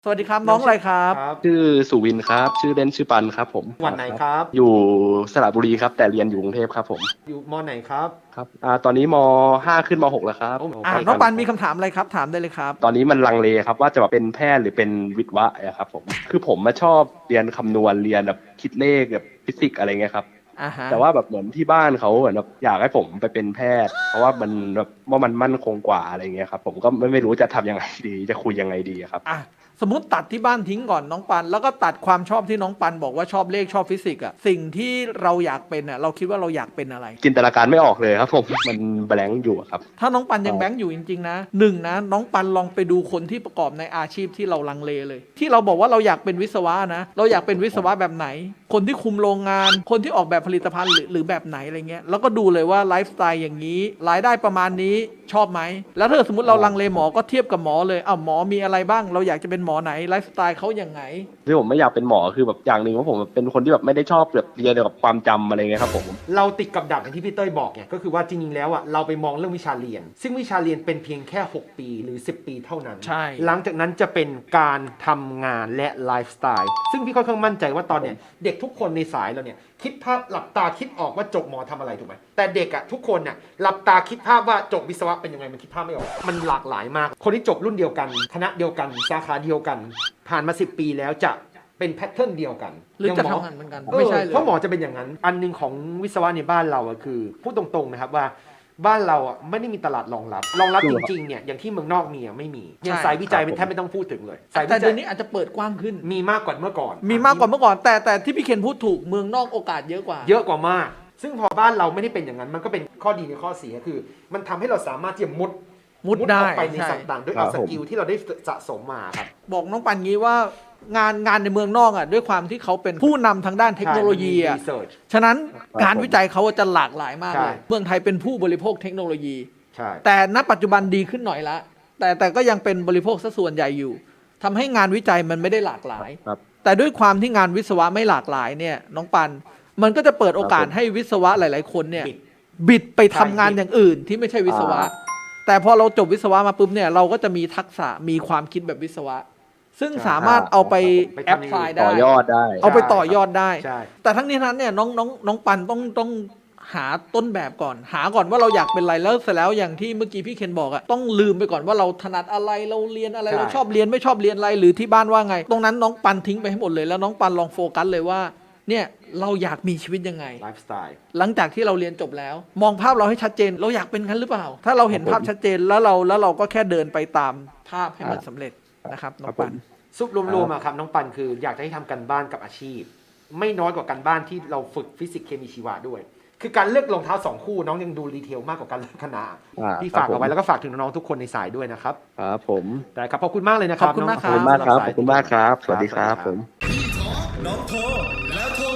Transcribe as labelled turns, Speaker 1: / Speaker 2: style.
Speaker 1: สวัสดีครับน้องอะไรครับ
Speaker 2: ชื่อสุวินครับชื่อเล่นชื่อปันครับผม
Speaker 3: จังหวัดไหนครับ
Speaker 2: อยู่สระบุรีครับแต่เรียนอยู่กรุงเทพครับผม
Speaker 3: อยู่มไหนครับ
Speaker 2: ครับตอนนี้ม.5ขึ้นม.6แล้วครับ
Speaker 1: น้องปันมีคำถามอะไรครับถามได้เลยครับ
Speaker 2: ตอนนี้มันลังเลครับว่าจะเป็นแพทย์หรือเป็นวิทย์วะอะครับผมคือผมมาชอบเรียนคำนวณเรียนแบบคิดเลขแบบฟิสิกส์อะไรเงี้ยครับแต่ว่าแบบเหมือนที่บ้านเขาเหมือนแบบอยากให้ผมไปเป็นแพทย์เพราะว่ามันแบบว่ามันมั่นคงกว่าอะไรเงี้ยครับผมก็ไม่รู้จะทำยังไงดีจะคุยยังไงดีครับ
Speaker 1: สมมติตัดที่บ้านทิ้งก่อนน้องปันแล้วก็ตัดความชอบที่น้องปันบอกว่าชอบเลขชอบฟิสิกส์อะสิ่งที่เราอยากเป็นอะเราคิดว่าเราอยากเป็นอะไร
Speaker 2: จินตนาการไม่ออกเลยครับผมมันแบงค์อยู่ครับ
Speaker 1: ถ้าน้องปันยังแบงค์อยู่จริงๆนะนะน้องปันลองไปดูคนที่ประกอบในอาชีพที่เราลังเลเลยที่เราบอกว่าเราอยากเป็นวิศวะนะเราอยากเป็นวิศวะแบบไหนคนที่คุมโรงงานคนที่ออกแบบผลิตภัณฑ์หรือแบบไหนอะไรเงี้ยแล้วก็ดูเลยว่าไลฟ์สไตล์อย่างนี้รายได้ประมาณนี้ชอบไหมแล้วถ้าสมมติเราลังเลหมอก็เทียบกับหมอเลยหมอมีอะไรบ้างเราอยากจะเป็นหมอไหนไลฟ์สไตล์เขาอย่างไง
Speaker 2: ที่ผมไม่อยากเป็นหมอคือแบบอย่างหนึ่งว่าผมเป็นคนที่แบบไม่ได้ชอบแบบเรียนเกี่ยวกับความจำอะไรเงี้ยครับผม
Speaker 3: เราติดกับดักอย่างที่พี่เต้ยบอกเนี่ยก็คือว่าจริงๆแล้วเราไปมองเรื่องวิชาเรียนซึ่งวิชาเรียนเป็นเพียงแค่6ปีหรือ10ปีเท่านั้น
Speaker 1: ใช่
Speaker 3: หลังจากนั้นจะเป็นการทำงานและไลฟ์สไตล์ซึ่งพี่ค่อนข้างมั่นใจว่าตอนเนี้ยเด็กทุกคนในสายเราเนี่ยคิดภาพหลับตาคิดออกว่าจบหมอทำอะไรถูกไหมแต่เด็กทุกคนเนี่ยหลับตาคิดภาพว่าจบวิศวะเป็นยังไงมันคิดภาพไม่ออกมันหลากหลายมากคนที่จบรุ่นเดียวกันคณะเดียวกันสาขาเดียวกันผ่านมา10ปีแล้วจะเป็นแพทเทิร์นเดียวกัน
Speaker 1: หรือจะทำงานเหมือนกันไม่ใช่เลย
Speaker 3: เพราะหมอจะเป็นอย่างนั้นอันนึงของวิศวะในบ้านเราคือพูดตรงๆนะครับว่าบ้านเราไม่ได้มีตลาดรองรับจริงๆเนี่ยอย่างที่เมืองนอกมีไม่มีอย่างสายวิจัยเป็นแทบไม่ต้องพูดถึงเลย
Speaker 1: แต่เดี๋ยวนี้อาจจะเปิดกว้างขึ้น
Speaker 3: มีมากกว่าเมื่อก่อน
Speaker 1: แต่ที่พี่เคนพูดถูกเมืองนอกโอกาสเยอะกว่า
Speaker 3: มากซึ่งพอบ้านเราไม่ได้เป็นอย่างนั้นมันก็เป็นข้อดีในข้อเสียคือมันทำให้เราสามารถที่จะมุด
Speaker 1: ได้
Speaker 3: ออกไปในสัต่างๆด้วยเอาสกิลที่เราได้สะสมมาครับ
Speaker 1: บอกน้องปันงี้ว่างานในเมืองนอกด้วยความที่เขาเป็นผู้นำทางด้านเทคโนโลยีฉะนั้นการวิจัยเขาจะหลากหลายมากเลยเมืองไทยเป็นผู้บริโภคเทคโนโลยีแต่ณปัจจุบันดีขึ้นหน่อยละแต่ก็ยังเป็นบริโภคซะส่วนใหญ่อยู่ทำให้งานวิจัยมันไม่ได้หลากหลายแต่ด้วยความที่งานวิศวะไม่หลากหลายเนี่ยน้องปันมันก็จะเปิดโอกาสให้วิศวะหลายๆคนเนี่ยบิดไปทำงานอย่างอื่นที่ไม่ใช่วิศวะแต่พอเราจบวิศวะมาปุ๊บเนี่ยเราก็จะมีทักษะมีความคิดแบบวิศวะซึ่งสามารถเอาไปแอพพลายได้
Speaker 2: ต่อยอดได้
Speaker 1: เอาไปต่อยอดได้แต่ทั้งนี้นั้นเนี่ยน้องปันต้องหาต้นแบบก่อนหาก่อนว่าเราอยากเป็นอะไรแล้วเสร็จแล้วอย่างที่เมื่อกี้พี่เคนบอกต้องลืมไปก่อนว่าเราถนัดอะไรเราเรียนอะไรเราชอบเรียนไม่ชอบเรียนอะไรหรือที่บ้านว่าไงตรงนั้นน้องปันทิ้งไปให้หมดเลยแล้วน้องปันลองโฟกัสเลยว่าเนี่ยเราอยากมีชีวิตยังไง
Speaker 3: ไลฟ์สไตล์
Speaker 1: หลังจากที่เราเรียนจบแล้วมองภาพเราให้ชัดเจนเราอยากเป็นงั้นหรือเปล่าถ้าเราเห็นภาพชัดเจนแล้วเราก็แค่เดินไปตามภาพให้มันสำเร็จนะครับน้องปัน
Speaker 3: ซุปรวมๆครับน้องปันคืออยากจะให้ทำกันบ้านกับอาชีพไม่น้อยกว่ากันบ้านที่เราฝึกฟิสิกส์เคมีชีวะด้วยคือการเลือกรองเท้า2คู่น้องยังดูดีเทลมากกว่าการเลือกคณะที่ฝากเอาไว้แล้วก็ฝากถึงน้องๆทุกคนในสายด้วยนะครับ
Speaker 2: ครับผม
Speaker 3: ได้ครับขอบคุณมากเลยนะครับ
Speaker 1: ขอบคุณมากครับ
Speaker 2: ขอบคุณมากครับสวัสดีครับผม
Speaker 4: น้องโทรแล้วโทร